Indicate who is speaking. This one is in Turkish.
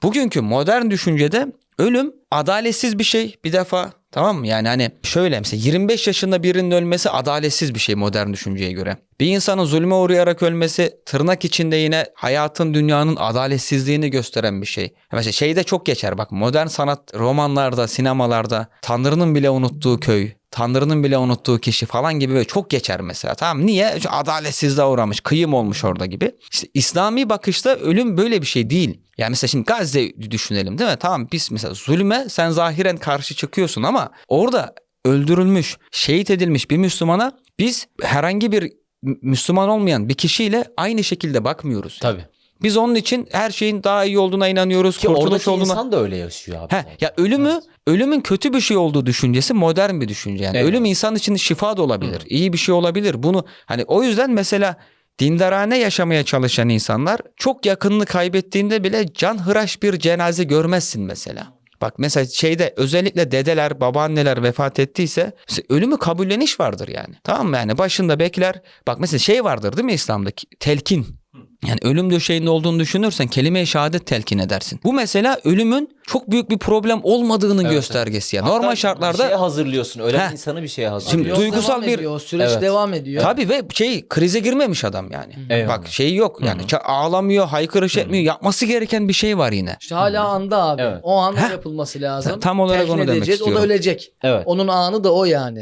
Speaker 1: bugünkü modern düşüncede ölüm adaletsiz bir şey bir defa, tamam mı? Yani hani şöyle mesela 25 yaşında birinin ölmesi adaletsiz bir şey modern düşünceye göre. Bir insanın zulme uğrayarak ölmesi tırnak içinde yine hayatın, dünyanın adaletsizliğini gösteren bir şey. Mesela şeyde çok geçer bak, modern sanat romanlarda, sinemalarda Tanrı'nın bile unuttuğu köy, Tanrı'nın bile unuttuğu kişi falan gibi böyle çok geçer mesela. Tamam, niye? Çünkü adaletsizliğe uğramış, kıyım olmuş orada gibi. İşte İslami bakışta ölüm böyle bir şey değil. Yani mesela şimdi Gazze düşünelim değil mi? Tamam, biz mesela zulme sen zahiren karşı çıkıyorsun ama orada öldürülmüş, şehit edilmiş bir Müslümana biz herhangi bir Müslüman olmayan bir kişiyle aynı şekilde bakmıyoruz.
Speaker 2: Tabii.
Speaker 1: Biz onun için her şeyin daha iyi olduğuna inanıyoruz.
Speaker 2: Ki
Speaker 1: kurtuluş
Speaker 2: oradaki
Speaker 1: olduğuna.
Speaker 2: insan da öyle yaşıyor abi.
Speaker 1: Ya ölümün kötü bir şey olduğu düşüncesi modern bir düşünce. Yani
Speaker 2: Evet.
Speaker 1: ölüm insan için şifa da olabilir. İyi bir şey olabilir. Bunu hani o yüzden mesela dindarane yaşamaya çalışan insanlar çok yakınını kaybettiğinde bile canhıraş bir cenaze görmezsin mesela. Bak mesela şeyde özellikle dedeler, babaanneler vefat ettiyse ölümü kabulleniş vardır yani. Tamam mı? Yani başında bekler. Bak mesela şey vardır değil mi İslam'daki? Telkin. Yani ölüm döşeğinde olduğunu düşünürsen kelime-i şehadet telkin edersin. Bu mesela ölümün çok büyük bir problem olmadığının göstergesi. Yani normal şartlarda
Speaker 2: bir şeye hazırlıyorsun. Ölen
Speaker 1: Heh.
Speaker 2: insanı bir şeye
Speaker 1: Şimdi
Speaker 2: hazırlıyorsun.
Speaker 3: Yol
Speaker 1: duygusal
Speaker 3: devam
Speaker 1: bir-
Speaker 3: ediyor, o süreç
Speaker 2: Evet.
Speaker 3: devam ediyor.
Speaker 1: tabii ve krize girmemiş adam yani.
Speaker 2: Eyvallah.
Speaker 1: Bak şeyi yok yani ağlamıyor, haykırış etmiyor. Yapması gereken bir şey var yine.
Speaker 3: İşte hala anda abi.
Speaker 2: Evet.
Speaker 3: O an yapılması lazım.
Speaker 1: Tam olarak
Speaker 3: Telkin
Speaker 1: onu demek
Speaker 3: edeceğiz, O
Speaker 1: istiyorum.
Speaker 3: da ölecek.
Speaker 2: Evet.
Speaker 3: Onun anı da o yani.